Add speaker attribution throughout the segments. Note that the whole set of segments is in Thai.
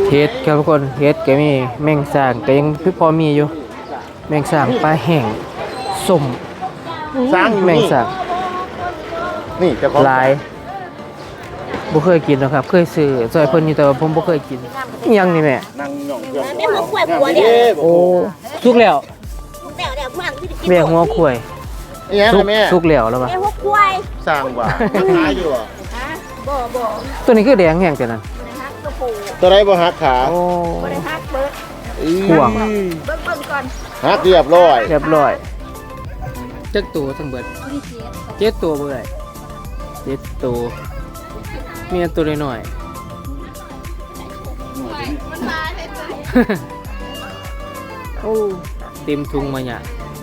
Speaker 1: เฮ็ดครับทุกคนเฮ็ดก็มีแมงสางก็ยังคือพอมีอยู่แมงสางปลาแห้งส้ม
Speaker 2: สางอยู่
Speaker 1: แมง
Speaker 2: นี่
Speaker 1: สาง
Speaker 2: นี่เจ้าของ
Speaker 1: หลายบ่เคยกินนะครับเคยซื้อซอยเพิ่นอยู่แต่ว่าผมบ่เคยกินอิหยังนี่แม่
Speaker 2: นั่งหย่องเครื่อง
Speaker 3: แม่หัวควายผัวเนี่ย
Speaker 1: โอ้สุกแล้ว
Speaker 3: เดี๋ยวเพื่อนที่จะกิน
Speaker 1: แม่หัวควาย
Speaker 2: นี่ฮะ
Speaker 1: สุก
Speaker 2: แม่
Speaker 1: สุกแล้วแล้วป่ะ
Speaker 3: แม่หัวควาย
Speaker 2: สร้างว่าหาอยู่อ่ะ
Speaker 3: ฮะบ่
Speaker 1: ตัวนี้คือแดงแห้งจังนั้น
Speaker 3: ฮักกระปู
Speaker 2: ตัวไรบ่หักขา
Speaker 1: โอ้
Speaker 3: บ่ได้ฮักเบิด
Speaker 1: ห่วง
Speaker 3: เบิ่งก่อน
Speaker 2: หักเรียบร้อย
Speaker 1: เรียบร้อยจักตัวทั้งเบิด7ตัวบ่ได้7ตัวมีอันตัวน้อยๆโอ้เต็มถุงมาเนี่ย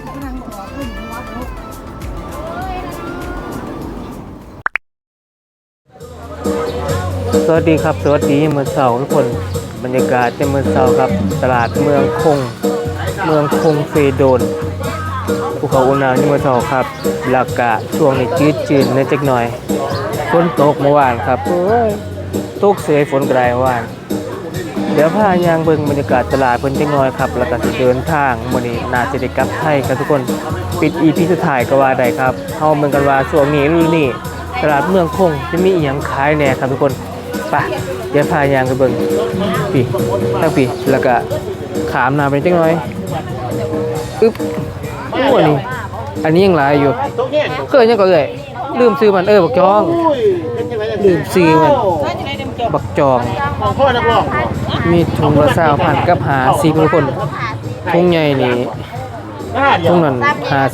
Speaker 1: สวัสดีครับสวัสดีมื้อเช้าทุกคนบรรยากาศในมื้อเช้าครับตลาดเมืองคงเฟโดนภูเขาอุณหภูมิมื้อเช้าครับอากาศช่วงนี้จืดๆนิดจักหน่อยฝนตกเมื่อวานครับโอ้ยตกเสยฝนกระไรวานเดี๋ยวพายางเบิ่งบรรยากาศตลาดเพิ่นจักหน่อยครับแล้วก็สิเดินทางมื้อนี้น่าจะได้กลับไทยครับทุกคนปิด EP สุดท้ายก็ว่าได้ครับเฮาเบิ่งกันว่าช่วงนี้ฤดูนี้ตลาดเมืองคงจะมีอีหยังขายแหน่ครับทุกคนไปเดี๋ยวพายางไปเบิ่งปีตั้งปีแล้วก็ขามหน้าไปจักหน่อยอึ๊บโอ้อันนี้ยังหลายอยู่
Speaker 2: ตรงนี้
Speaker 1: เคยยังก็เลยลืมซื้อมันบักจอง
Speaker 2: อุ้ยเป็นจังไง
Speaker 1: ลืมซื้อมันบักจอง
Speaker 2: ของพ่อนักร้อง
Speaker 1: มีถุงละ20,000กับ50ทุกคนถุงใหญ่นี่
Speaker 2: ได้เดียว
Speaker 1: ถุงนั้น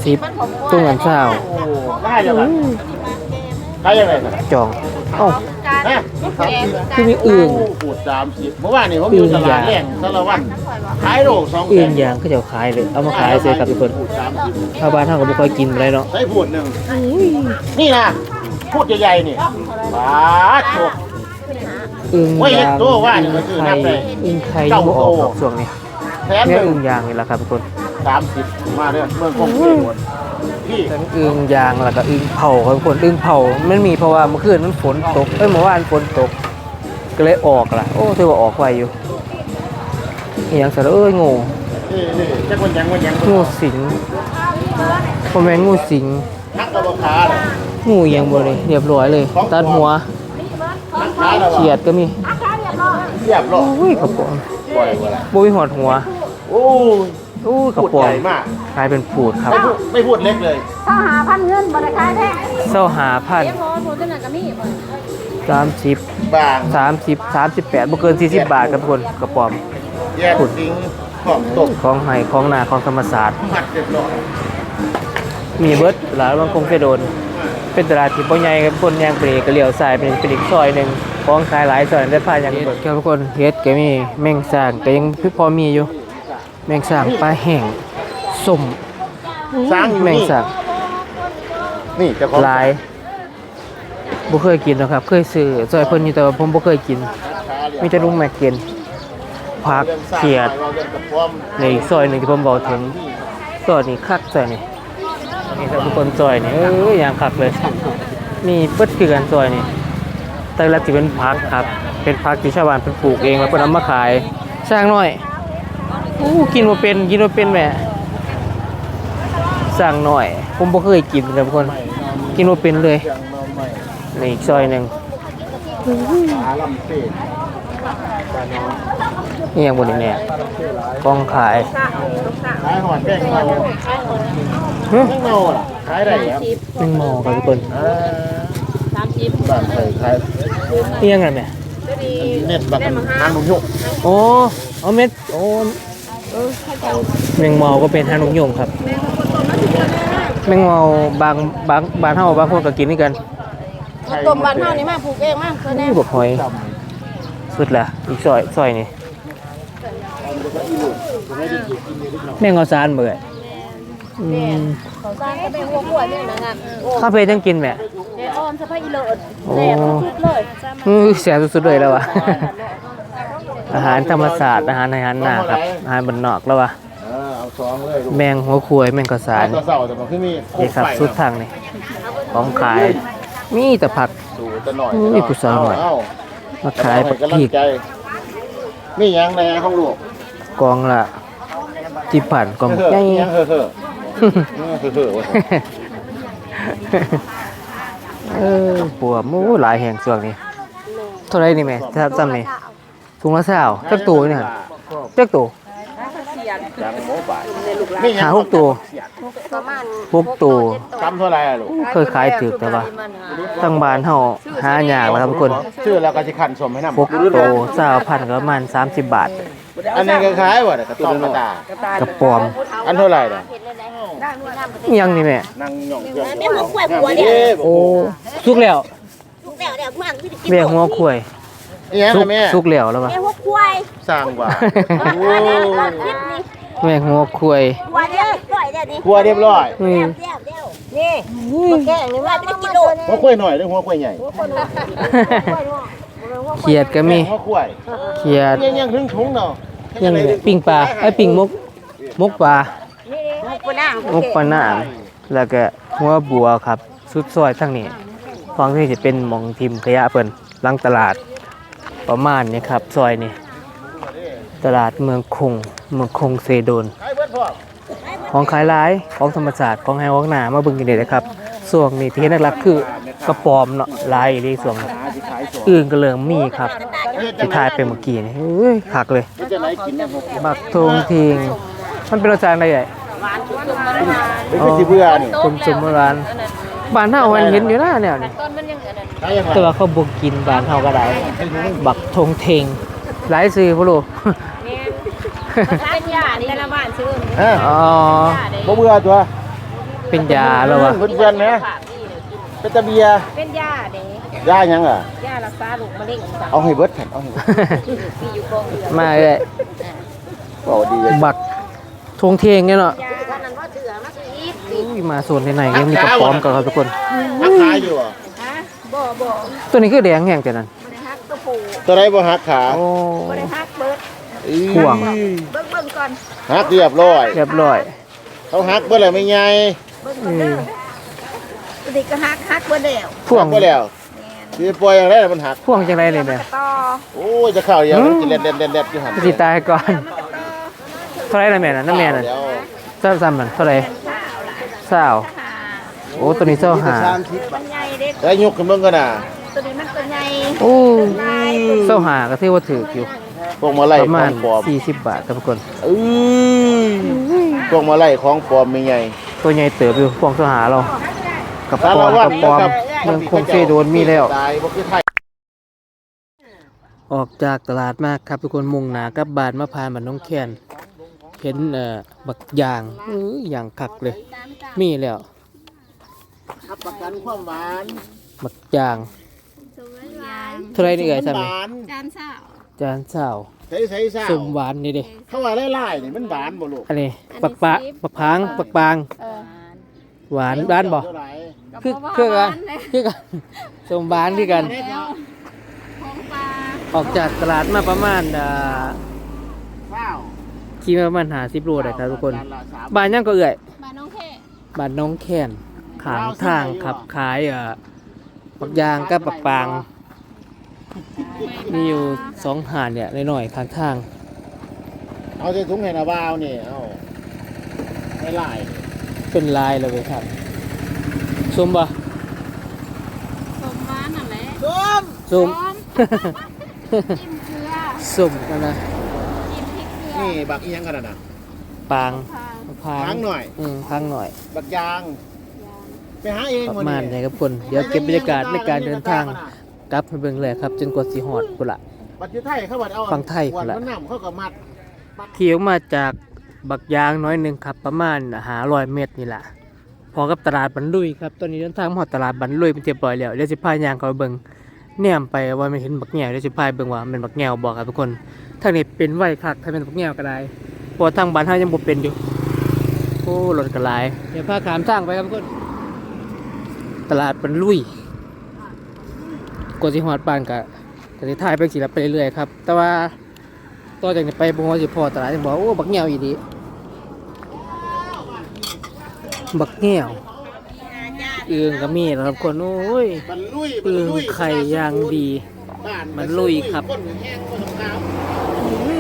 Speaker 1: 50ถุงนั้น20
Speaker 2: โอ้ได้เดียวกันใครยังไงนะ
Speaker 1: จองเอ้า
Speaker 2: ฮะ
Speaker 1: คือมีอึ่ง
Speaker 2: ปูด30เมื่อวานนี่ผมอยู่ตลาดแรงสารวัตรขายโล2
Speaker 1: อึ่งย่างเขาจะขายเลยเอามาขายเสียครับทุกคน
Speaker 2: ปูด30
Speaker 1: ชาวบ้านเฮาก็บ่ค่อยกินอะไรเนาะ
Speaker 2: ใส่พูดหนึ่งนี่นะพูดใหญ่ๆนี่ปาดโชก
Speaker 1: อึ่ง
Speaker 2: โอ้ยเห็
Speaker 1: ย่าน ง
Speaker 2: ตัวว่านี่มันคือนับเลย
Speaker 1: อึ่งไข่ยังบ่ออกดอกช่วงนี้
Speaker 2: แถม
Speaker 1: เนี่ย
Speaker 2: หนึ่
Speaker 1: อึ่
Speaker 2: ง
Speaker 1: งย่างนี่แหละครับทุกคน
Speaker 2: 30มาเด้อเมืองคงที่หมดพี่
Speaker 1: ทั้งอึ่งยางแล้วก็อึ่งเผาครับทุกคนอึ่งเผามันมีเพราะว่าเมื่อคืนมันฝนตกเมื่อวานฝนตกก็เลยออกล่ะโอ้ถือว่าออกไวอยู่อหย่างสารงู
Speaker 2: นี่จักวันยัง
Speaker 1: งูสิงพ่อแม่นงูสิง
Speaker 2: นักตะบขาเลย
Speaker 1: งูอหย่างบ่เลยเรียบร้อยเลยตัดหัว
Speaker 2: นักขาแล้ว
Speaker 1: เขียดก็มี
Speaker 2: เรียบร้อย
Speaker 1: อุ้ยกระป๋อง
Speaker 2: ปล่อยเวลา
Speaker 1: บ่มีหอดหัว
Speaker 2: โอ้ย
Speaker 1: อุ้ยกระ
Speaker 2: พูด
Speaker 1: ป๋อ
Speaker 2: ให
Speaker 1: ง
Speaker 2: ญ่มาก
Speaker 1: กลายเป็นปูดครับ
Speaker 2: ไม่พูดเล็กเลย
Speaker 3: ถ้าหาพันเงินบ่ได้ขายแท้
Speaker 1: เศร้าหาพัน
Speaker 3: เดี๋ยวพอหนูจะนั่นก็มีบ่
Speaker 1: 30
Speaker 2: บาง
Speaker 1: 38บ่เกิน40 บาทครับทุกคนกระป๋อม
Speaker 2: แยกสิงของตก
Speaker 1: ของไห้ของนาของธรรมศาสตร์
Speaker 2: มัดเรียบร้อย
Speaker 1: มีเบิดหลายบางคงไปโดน เป็นตลาดที่บ่ใหญ่ครับคนย่างไปนี่ก็เลี้ยวซ้ายเป็นอีกซอยหนึงของขายหลายซอยได้พาอย่างเบิดครับทุกคนเฮ็ดก็มีแมงสางก็ยังพอมีอยู่ แมงสางปลาแห้งส้ม
Speaker 2: สางอยู่
Speaker 1: แมง
Speaker 2: นี่
Speaker 1: สาง
Speaker 2: นี่เจ้าของ
Speaker 1: หลายบ่เคยกินหรอกครับเคยซื้อซอยเพิ่นอยู่แต่ว่าผมบ่เคยกินมีแต่ลุงแม็กกินผักเขียดในอีกซอยหนึงที่ผมบอกถึงซอยนี้คักซอยนี้นี่ครับทุกคนซอยนี้อย่างคักเลยมีเบิดคือกันซอยนี้แต่ละสิเป็นผักครับเป็นผักที่ชาวบ้านเพิ่นปลูกเองแล้วเพิ่นเอามาขายสร้างน้อยกินบ่เป็นแม่สร้างน้อยผมบ่เคยกินเลยทุกคนกินบ่เป็นเลยนี่อีกซอยหนึง
Speaker 2: ขาลำเตะ
Speaker 1: นี่ยังบ่ได้แน่กองขาย
Speaker 2: ขายหอดแป้งเมา
Speaker 1: หึ
Speaker 2: แป้งเมาล่ะขายได้ครับ
Speaker 1: เป็นหมอครับทุกคน
Speaker 2: บ้านใส่ขาย
Speaker 1: นี่ยังไงแม่
Speaker 2: เน็ตบักทางหนุ่มยุก
Speaker 1: โอ้เอาเม็ดโอ้แมงเมาก็เป็นทางนกยงครับแมงเมาบางเฮาบางคนก็กินด้วยกัน
Speaker 3: ต้มบ้านเฮานี่มาปลูกเองมาเพิ่นแน่
Speaker 1: นี่บักหอยสุดละอีกซอยนี่แมงเงาซานเบื่อ
Speaker 3: เขาสร้างก็เป็นหัวขวดนี่นะงั้นโอ้
Speaker 1: คาเฟ่จังกินแม่
Speaker 3: แม่อ้อมสะพายอีเลิศ
Speaker 1: โอ้
Speaker 3: แซ่บสุดเลย
Speaker 1: แซ่บสุดๆเลยแล้ววะ อาหารธรรมศาสตร์อาหารหน้าครับอาหารบ้านนอกแล้ววะ
Speaker 2: เอาซองเลยลูก
Speaker 1: แมงหัวควายแมงกระสาน
Speaker 2: ตัวเสาแต่มันขึ้นมี
Speaker 1: นี่ครับสุดทางนี่ของขายมีแต่ผัก
Speaker 2: สู่ตะหน่อย
Speaker 1: อุ้ยผู้สาวหน่อย
Speaker 2: เอ้
Speaker 1: มาขายผัก
Speaker 2: กำลั
Speaker 1: พ
Speaker 2: ง
Speaker 1: ริก
Speaker 2: ใจนี่ยังในห้องลูก
Speaker 1: กองละที่ผ่านกอง
Speaker 2: เฮ้อ
Speaker 1: ใหญ่
Speaker 2: ยังเฮ้อเฮ้อเฮ้อ
Speaker 1: ปัวมูหลายแห่งส่วนนี้เท่าไรนี่แม่ถ้าจำนี่ถุงละ20จักตัวนี่หั่นจักตัว
Speaker 2: จากโมบาย
Speaker 1: หา6ตัว
Speaker 3: ประมาณ
Speaker 1: 6ตัว
Speaker 2: จำเท่าไรอะลูก
Speaker 1: เคยขายถือแต่ว่าทั้งบ้านเฮาหายากแล้วครับทุกคน
Speaker 2: ชื่อแล้วก็จะขันสมให้นำ
Speaker 1: 6ตัว20,000ก็ประมาณ30 บาท
Speaker 2: อันนี้ก็ขายว่ะกระต้องกระตาก
Speaker 1: ระปอม
Speaker 2: อันเท่าไรน่ะ
Speaker 1: อิหยังนี่แม่
Speaker 2: นั่งหย่องเครื่อง
Speaker 3: แม่หัวกล้วยหัวเนี่ย
Speaker 1: โอ้สุกแล้ว
Speaker 3: ลูกแล้วเนี่ยพวกพี่กิน
Speaker 1: แม่หัวควาย
Speaker 2: นี่ยัง
Speaker 1: สุก
Speaker 2: แม่
Speaker 1: สุกแล้วแล้วป่ะ
Speaker 3: แม่หัวกล้วย
Speaker 2: สร้างว่า
Speaker 3: คิดนี่
Speaker 1: แม่หัวควาย
Speaker 3: หัวเนี่ยปล่อยเนี่ยนี่
Speaker 2: ครัวเรียบร้อย
Speaker 1: อืม
Speaker 3: เดี๋ยวนี่มาแกงนี่ว่าเป็นกิโล
Speaker 2: หัวกล้วยหน่อยหรือหัวกล้วยใหญ่
Speaker 1: เขียดก็มี
Speaker 2: หัวกล้วย
Speaker 1: เขียด
Speaker 2: ยังถึงถุงเนาะ
Speaker 1: ยังปิ้งปลาไอ้ปิ้งมกปลา
Speaker 3: นี่ปนาง
Speaker 1: มกปลาหน้าแล้วก็หัวบัวครับสุดซอยทั้งนี้ฟังที่จะเป็นหมองทิมขยะเพิ่นหลังตลาดประมาณนี้ครับซอยนี้ตลาดเมืองคงเซโดน
Speaker 2: ขายเบิดพร้อม
Speaker 1: ของขายหลายของธรรมศาสตร์ของไฮวอกหนามาเบิ่งกันเลยนะครับส่วนนี้ที่เห็นหลักๆคือกระปอมเนาะหลายอีส่วนอื่นก็เริ่มมีครับที่ทายไปเมื่อกี้นี่เฮ้ยคักเลย
Speaker 2: จะไหนกินเนี่ยผม
Speaker 1: บักทงทิงมันเป็นรสชาติอะไรใหญ่
Speaker 2: เป็นสิเบื่อนี่
Speaker 1: คุณสมโบราณบ้านเฮามันเห็นอยู่นะแนวนี้
Speaker 3: ต้นมันยังอันนั้น
Speaker 2: ขายยังไง
Speaker 1: แต่ว่าเขาบ่กินบ้านเฮาก็ได้บักทงเทงหลายซื้อบ่รู้
Speaker 3: เป็นยาแต่ละบ้านซื้อ
Speaker 2: ฮะ
Speaker 1: อ๋อ
Speaker 2: บ่เบื่อตัว
Speaker 1: เป็นยาแล้ววะ
Speaker 2: เพื่อนๆนะเป็นตะเบีย
Speaker 3: เป็นยาเด้
Speaker 2: ย่ายังอ่ะ
Speaker 3: ยารักษาลูกมะเร็งสั่ง
Speaker 2: เอาให้เบิดแผ่นเอาให้เบิด
Speaker 3: มีอยู่กองเรือ
Speaker 1: มาเลย
Speaker 2: เอาดีเลย
Speaker 1: บักทงเทงเนี่ยเนาะ
Speaker 3: ยาท่านนั้นว่าเสือมาซื้ออีก
Speaker 1: อุ้ยมาโซนไหนๆก็มีกระป๋อมกันครับทุกคน
Speaker 2: หักขาอยู่อ่ะ
Speaker 3: ฮะบ่
Speaker 1: ตัวนี้คือแดงแห้งแต่นั้น
Speaker 3: บ่ได้ฮักตัวปู
Speaker 2: ตัวไหนบ่หักขา
Speaker 1: โอ้
Speaker 3: บ่ได้ฮักเบิด
Speaker 1: ห่วง
Speaker 3: เบิ่งก่อน
Speaker 2: หักเรียบร้อย
Speaker 1: เรียบร้อย
Speaker 2: เขาหักเบ่แล้วไม่ใหญ่
Speaker 3: เบิ่งก่อนเด้อตัวนี้ก็ฮักเบิดแล้ว
Speaker 1: พ่วง
Speaker 2: หักบ่แล้วสิปล่อยอย่างไรมันหัก
Speaker 1: พ่วงจังไรเลยแม่
Speaker 3: ต่อ
Speaker 2: โอ้ยจะเข้าอย่างมันสิเล็ดๆๆๆอยู่หั่น
Speaker 1: สิตายก่อนเท่าไหรล่ะแม่น่ะน้ำแม่น่ะ
Speaker 2: เดี๋ยว
Speaker 1: ซ้ำๆมันเท่าไหร20โอ้ตัวนี้25
Speaker 3: มันใหญ่เด็ก
Speaker 2: แล้วยกขึ้นเบิ่งกันน่ะ
Speaker 3: ตัวนี้มันตัวใหญ่
Speaker 1: โอ้25ก็ถือว่าถูกอยู่
Speaker 2: พวกมาไล่
Speaker 1: ประ
Speaker 2: ข
Speaker 1: มา
Speaker 2: อ
Speaker 1: ณ
Speaker 2: งปลอม
Speaker 1: 40 บาทครับทุกคน
Speaker 2: เอ้ยพวกมาไล่ของปลอมไม่ใหญ่
Speaker 1: ตัวใหญ่เติบอยู่พวงสหาเรากับป
Speaker 2: สา
Speaker 1: อ
Speaker 2: ร
Speaker 1: ม
Speaker 2: วัต
Speaker 1: กั
Speaker 2: ร
Speaker 1: บปอม
Speaker 2: นะครับ
Speaker 1: เมืองคงเซโดนมีแล้ว
Speaker 2: ตายบ่คือไทย
Speaker 1: ออกจากตลาดมากครับทุกคนมุ่งหน้ากลับบ้านมาพานบ้านน้องแคนเห็นบักยางอย่างคักเลย มีแล้ว
Speaker 2: รับประกันความหวาน
Speaker 1: บักยางเท่าไรนี่เอ่ย
Speaker 2: ห
Speaker 1: ซ้ำนี่
Speaker 2: วาน
Speaker 3: จานเช้า
Speaker 1: จานเศร้า
Speaker 2: ใส่ๆซ่า
Speaker 1: สมหวานนี่เด้
Speaker 2: เขาว่าไล่ๆนี่มันหวานบ่ลูก
Speaker 1: อันนี้บักปะบักพางบักปางหวานด้านบ่
Speaker 2: เท่ไหร่
Speaker 1: คือกันคือกันสมหวานคือกัน ออกจากตลาดมาประมาณ
Speaker 2: ข้าว
Speaker 1: ขี่มาประมาณ50 โลได้ครับทุกคน
Speaker 2: จาละสาม
Speaker 1: บ้านยังก็เอ่ย
Speaker 3: บ้านน้องแค่
Speaker 1: บ้านน้องแคนขางทางขับขายบักยางกับบักปางมีอยู่2 หาดเนี่ยน้อยๆข้างทาง
Speaker 2: เอาใส่ถุงให้นาบ่าวนี่เอาให้ไล่
Speaker 1: เป็นลายเลยเว้ยครับชมบ่
Speaker 3: สมบ้านน่ะแหละ
Speaker 1: ชม
Speaker 3: จิ้มเกลือ
Speaker 1: สมกันนะ
Speaker 3: จิ้มพริกเกลือ
Speaker 2: นี่บักอีหยังกันน่ะ
Speaker 1: ปางพาง
Speaker 2: พังหน่อย
Speaker 1: พังหน่อย
Speaker 2: บักยางไปหาเอง
Speaker 1: ประ
Speaker 2: วัน
Speaker 1: มาณ
Speaker 2: นี้
Speaker 1: นี้ครับคนเดี๋ยวเก็บบรรยากาศในการเดินทางกลับไปเบิ่งเลยครับจนกว่าสิฮอดพุ่นละ
Speaker 2: บัตรอยู่ไทยเขาบัตรเอา
Speaker 1: ฟังไทย
Speaker 2: ขวด
Speaker 1: ละ
Speaker 2: มันน้ำเขาก็มัด
Speaker 1: ขี่ออกมาจากบักยางน้อยหนึงครับประมาณ500 เมตรนี่แหละพอกับตลาดบันลุยครับตอนนี้เดินทางมาฮอดตลาดบันลุยเป็นเรียบร้อยแล้วเดี๋ยวสิพายางเขาไปเบิ่งแนมไปว่ามันเห็นบักแง่วเดี๋ยวสิพายเบิ่งว่ามันบักแง่วบ่ครับทุกคนทางนี้เป็นไว้คักถ้าเป็นบักแง่วก็ได้เพราะว่าทางบ้านเฮายังบ่เป็นอยู่โอ้รถก็หลายเดี๋ยวพาขามทางไปครับทุกคนตลาดบันลุยกว่าสิฮอดบ้านก็สิถ่ายไปสิละไปเรื่อยๆครับแต่ว่าต่อจากนี้ไปบ่ฮู้ว่าสิพอตลาดจังบ่โอ้บักแง่วอีดีบักแง่วเอื้องก็มีนะครับคนโอ้ย
Speaker 2: บันลุย
Speaker 1: เอื้องไข่ย่างดี
Speaker 2: บ้า
Speaker 1: มันลุยครับ
Speaker 2: นแห้งคนขาว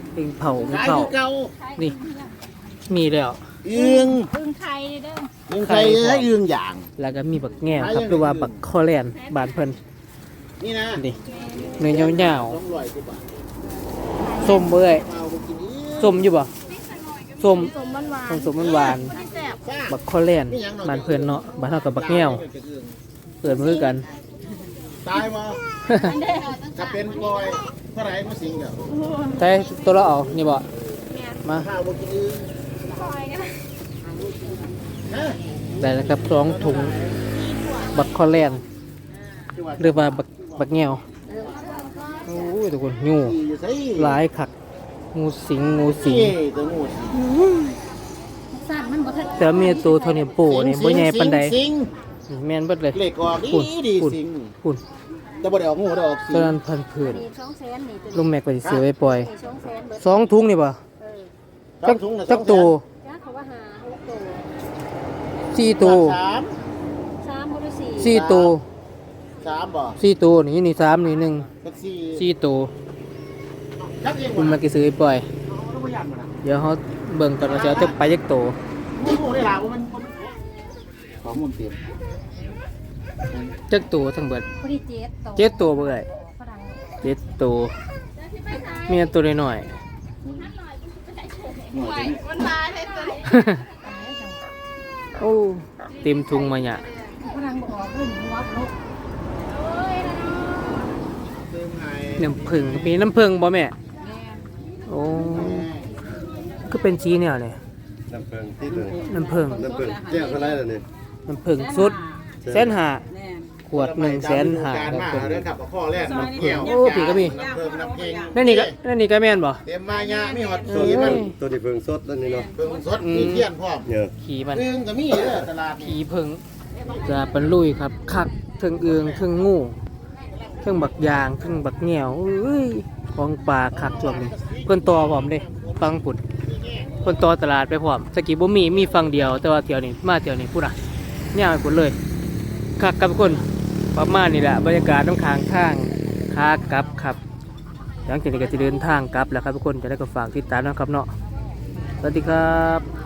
Speaker 1: อึ่งเผาอึ่ง
Speaker 2: ขาย
Speaker 1: เผา
Speaker 2: คือเก่า
Speaker 1: นี่มีแล้ว
Speaker 2: อึ่ง
Speaker 3: พึ่งไข่เด้อ
Speaker 2: อึ่งไข่และอึ่งอย่าง
Speaker 1: แล้วก็มีบักแง่วครับหรือว่าบักคอแลนบานเพิ่น
Speaker 2: นี่นะ
Speaker 1: นี่เนื้อยาว
Speaker 2: 200 กว่าบาท
Speaker 1: ๆส้มเบ้ย
Speaker 2: เอาไปกินอีก
Speaker 1: ส้มอยู่บ่ส้ม
Speaker 3: สมมันหวาน
Speaker 1: ส้มมันหวาน
Speaker 3: ที่แซ่บ
Speaker 2: ซ่า
Speaker 1: บักคอแลนบานเพิ่นเนาะบานเฮากับบักแง่วเปิดมาคือกัน
Speaker 2: ตายบ่ถ้าเป็นปล่อยเท่าไหร่มาสิงเด้อ
Speaker 1: แต่ตัวเราเอานี่บ่มา
Speaker 2: ข้าวบ่กินอึ่ง
Speaker 3: คอยกัน
Speaker 2: ฮะ
Speaker 1: ได้แล้วครับ2ถุงบักคอแลนหรือว่าบักแง่วโอ้ยทุกคนงู
Speaker 2: อยู่ไส
Speaker 1: หลายคักงูสิงงูสิง
Speaker 2: เอ้ยตัวงูสิง
Speaker 3: สัตว์มันบ่ทัน
Speaker 1: แต่เมียตัวเท่านี้โป้นี่บ่ใหญ่ปานใด
Speaker 2: สิง
Speaker 1: นี่แม่นเบิดเลย
Speaker 2: เหล็กออก
Speaker 1: ปุ่น
Speaker 2: ดี
Speaker 1: ปุ่น
Speaker 2: สิง
Speaker 1: ปุ่น
Speaker 2: แต่บ่ได้ออกงูได้ออกสิ
Speaker 1: ตอน
Speaker 2: ง
Speaker 1: นั้นพันผืน
Speaker 3: มี200,000นี่ตัว
Speaker 1: ลุงแม็กก็สิซื้อไว้ปล่อย
Speaker 3: 200,000เบิด
Speaker 1: 2ถุงนี่บ่
Speaker 3: เออ
Speaker 1: จัก
Speaker 2: ถุงละ
Speaker 1: จักตัว
Speaker 3: จ้าเขาว่าหา6ตัว
Speaker 1: 4ตัว
Speaker 2: สาม
Speaker 3: 3บ่หรือ
Speaker 1: 4ตัว
Speaker 2: สามบ่
Speaker 1: 4ตัวนี่นี่3นี่
Speaker 2: จักสี่
Speaker 1: 1 4ตัว
Speaker 2: จักเอง
Speaker 1: ลุงแม็กก็ซื้อไว้ปล่อย
Speaker 2: ต้องพยายามมันนะ
Speaker 1: เดี๋ยวเฮาเบิ่งก่อนว่าจะเอาจักไปจักตัว
Speaker 2: งูได้ล่ะว่ามันขอมูลเต็ม
Speaker 1: จักตัวทั้งเบิด
Speaker 3: พอดี7ตัว
Speaker 1: 7ตัวบ่เอ่ย
Speaker 3: ฝรั่ง
Speaker 1: 7ตัวมีอันตัวน้อย
Speaker 3: มันมาเฮ็ดตัวนี้
Speaker 1: ๆ โอ้เต็มถุงมาเนี่ย
Speaker 3: ฝรั่งบ่ออกเพิ่นหัวบ่ลูกโอ้ยนะ
Speaker 2: เติมให้
Speaker 1: น้ำผึ้งมีน้ำผึ้งบ่แม่โอ้ก็เป็นสีแนวนี่
Speaker 4: น้ำเพิงที่ตัวนี้
Speaker 1: น้ำผึ้ง
Speaker 4: น้ำเพิงแก้วเท่าไรล่ะนี่
Speaker 1: น้ำผึ้งสุด150,000ขวด150,000
Speaker 2: การ
Speaker 1: ครั
Speaker 2: มา
Speaker 1: บผม
Speaker 2: เด้อครับข้อแรกมันเกี่ยว
Speaker 1: โอ้ผีก็มี
Speaker 2: น้ำเพิ่มน้ำเพ่ง
Speaker 1: นั่นนี่ก็แม่นบ่
Speaker 2: เต็มมายามีหอด
Speaker 1: เอ
Speaker 2: สี
Speaker 1: อ
Speaker 2: มัน
Speaker 4: ตัวนี้เพิงสดแล้วนี่เนาะ
Speaker 2: เพิ่งสดมีเทียนพร้อม
Speaker 4: เนี่ย
Speaker 1: ขี่มัน
Speaker 2: อึ่งก็มีเด้อตลาด
Speaker 1: ผีเพิงจะเป็นลุยครับคักเทิงเอืองเทิงงูเทิงบักยางเทิงบักเหนียวเอ้ยของป่าคักช่วงนี้เพิ่นต่อพร้อมเด้ฟังปุ่นเพิ่นต่อตลาดไปพร้อมสกี้บ่มีฝั่งเดียวแต่ว่าเที่ยวนี้มาเที่ยวนี้พุ่นน่ะย่างไปพุ่นเลยคักกับทุกคนประมาณนี้แหละบรรยากาศน้ำค้างทางขากลับครับหลังจากนี้ก็จะเดินทางกลับแล้วครับทุกคนจะได้ก็ฝากติดตามนะครับเนาะสวัสดีครับ